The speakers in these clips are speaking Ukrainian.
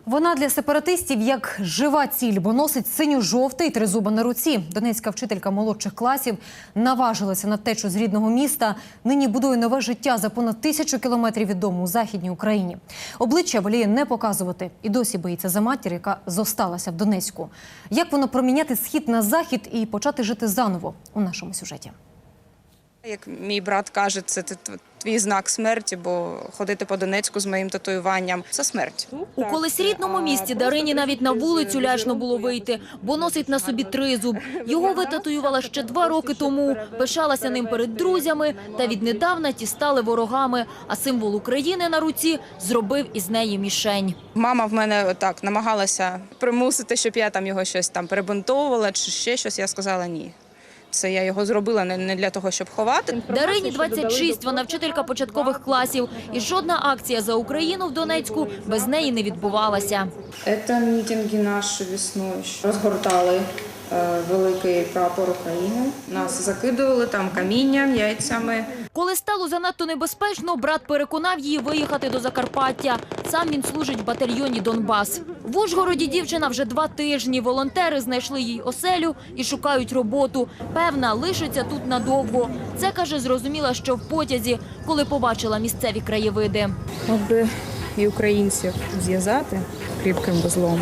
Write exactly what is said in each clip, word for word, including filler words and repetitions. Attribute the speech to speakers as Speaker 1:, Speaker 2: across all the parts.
Speaker 1: Вона для сепаратистів як жива ціль, бо носить синьо-жовтий тризуба на руці. Донецька вчителька молодших класів наважилася на втечу з рідного міста. Нині будує нове життя за понад тисячу кілометрів від дому у Західній Україні. Обличчя воліє не показувати. І досі боїться за матір, яка зосталася в Донецьку. Як воно проміняти схід на захід і почати жити заново у нашому сюжеті?
Speaker 2: Як мій брат каже, це твій знак смерті, бо ходити по Донецьку з моїм татуюванням – це смерть.
Speaker 3: У колись рідному місті Дарині навіть на вулицю лячно було вийти, бо носить на собі тризуб. Його витатуювала ще два роки тому, пишалася ним перед друзями, та віднедавна ті стали ворогами, а символ України на руці зробив із неї мішень.
Speaker 2: Мама в мене так намагалася примусити, щоб я там його щось там перебинтовувала чи ще щось. Я сказала ні. Це я його зробила не для того, щоб ховати.
Speaker 3: Дарині двадцять шість, вона вчителька початкових класів. І жодна акція за Україну в Донецьку без неї не відбувалася.
Speaker 2: Це мітинги наші весною. Розгортали великий прапор України. Нас закидували там камінням, яйцями.
Speaker 3: Коли стало занадто небезпечно, брат переконав її виїхати до Закарпаття. Сам він служить в батальйоні «Донбас». В Ужгороді дівчина вже два тижні. Волонтери знайшли їй оселю і шукають роботу. Певна, лишиться тут надовго. Це, каже, зрозуміла, що в потязі, коли побачила місцеві краєвиди.
Speaker 2: Аби і українців зв'язати кріпким вузлом.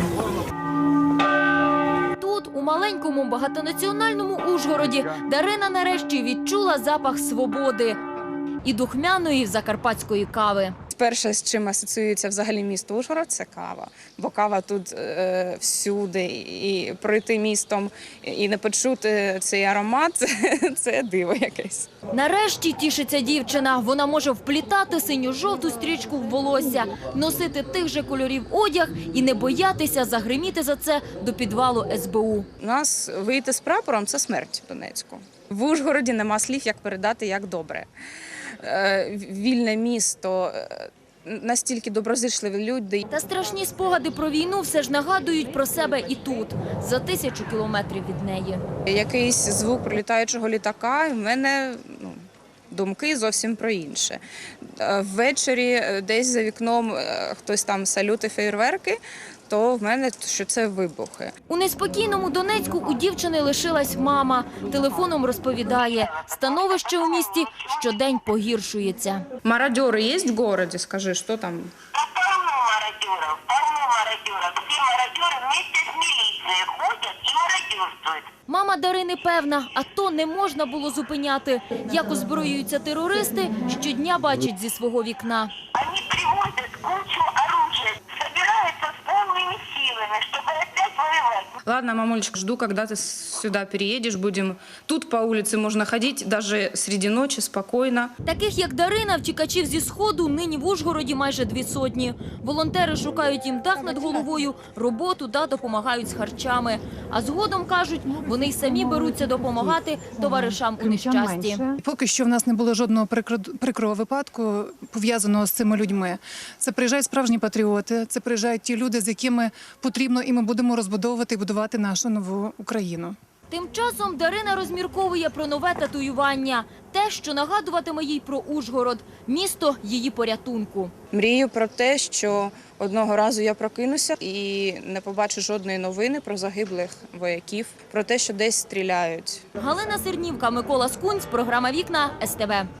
Speaker 3: Тут, у маленькому багатонаціональному Ужгороді, Дарина нарешті відчула запах свободи і духмяної закарпатської кави.
Speaker 2: Перше, з чим асоціюється взагалі місто Ужгород – це кава. Бо кава тут е, всюди. І пройти містом і не почути цей аромат – це диво якесь.
Speaker 3: Нарешті тішиться дівчина. Вона може вплітати синю-жовту стрічку в волосся, носити тих же кольорів одяг і не боятися загриміти за це до підвалу ес бе у.
Speaker 2: У нас вийти з прапором – це смерть в Донецьку. В Ужгороді нема слів, як передати, як добре. Вільне місто, настільки доброзичливі люди.
Speaker 3: Та страшні спогади про війну все ж нагадують про себе і тут, за тисячу кілометрів від неї.
Speaker 2: Якийсь звук прилітаючого літака, в мене ну, думки зовсім про інше. Ввечері десь за вікном хтось там салюти, феєрверки, то в мене що це вибухи.
Speaker 3: У неспокійному Донецьку у дівчини лишилась мама. Телефоном розповідає, становище у місті щодень погіршується.
Speaker 2: Мародери є в місті? Скажи, що там?
Speaker 4: Полно мародеров, полно мародеров. Все мародеры вместе с милицией ходят и мародерствуют.
Speaker 3: Мама Дарини певна, АТО не можна було зупиняти. Як озброюються терористи, щодня бачить зі свого вікна.
Speaker 4: Они привозят кучу оружия, собираются с полными силами, чтобы опять воевать.
Speaker 2: Ладно, мамулечка, жду, когда ты сюда переедешь. Будем тут по улице можно ходить, даже среди ночи, спокойно.
Speaker 3: Таких, як Дарина, втікачів зі Сходу нині в Ужгороді майже дві сотні. Волонтери шукають їм дах над головою, роботу та допомагають з харчами. А згодом, кажуть, вони й самі беруться допомагати товаришам у нещасті.
Speaker 5: Поки що в нас не було жодного прикрого випадку, пов'язаного з цими людьми. Це приїжджають справжні патріоти, це приїжджають ті люди, з якими потрібно і ми будемо розбудовувати і будувати нашу нову Україну.
Speaker 3: Тим часом Дарина розмірковує про нове татуювання. Те, що нагадуватиме їй про Ужгород. Місто її порятунку.
Speaker 2: Мрію про те, що одного разу я прокинуся і не побачу жодної новини про загиблих вояків, про те, що десь стріляють.
Speaker 3: Галина Сернівка, Микола Скунць, програма «Вікна», ес те ве.